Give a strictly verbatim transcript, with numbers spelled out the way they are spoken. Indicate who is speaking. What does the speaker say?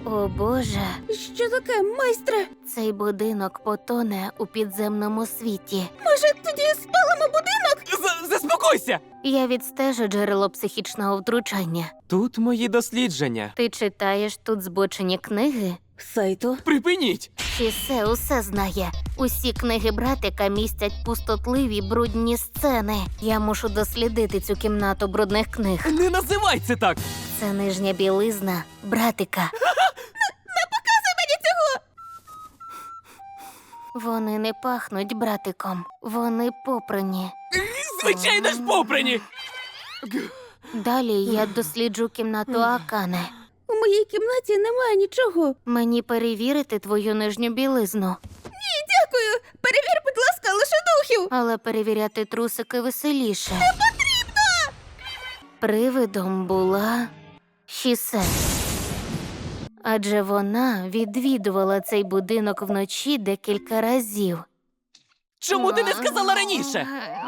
Speaker 1: О, Боже,
Speaker 2: Що таке, майстре?
Speaker 1: цей будинок потоне у підземному світі.
Speaker 2: Може, тоді спалимо будинок?
Speaker 3: З- Заспокойся!
Speaker 1: Я відстежу джерело психічного втручання.
Speaker 3: Тут мої дослідження.
Speaker 1: Ти читаєш тут збочені книги?
Speaker 2: Сайту.
Speaker 3: Припиніть!
Speaker 1: Чісе усе знає. Усі книги братика містять пустотливі брудні сцени. Я мушу дослідити цю кімнату брудних книг.
Speaker 3: Не називай це так!
Speaker 1: Це нижня білизна братика. Вони не пахнуть братиком. Вони попрані.
Speaker 3: Звичайно ж попрані!
Speaker 1: Далі я досліджу кімнату Акане.
Speaker 2: У моїй кімнаті немає нічого.
Speaker 1: Мені перевірити твою нижню білизну,
Speaker 2: Дякую. Перевір, будь ласка, лише духів.
Speaker 1: але перевіряти трусики веселіше. Не потрібно! Привидом була Шісе. Адже вона відвідувала цей будинок вночі декілька разів.
Speaker 3: Чому ти не сказала раніше?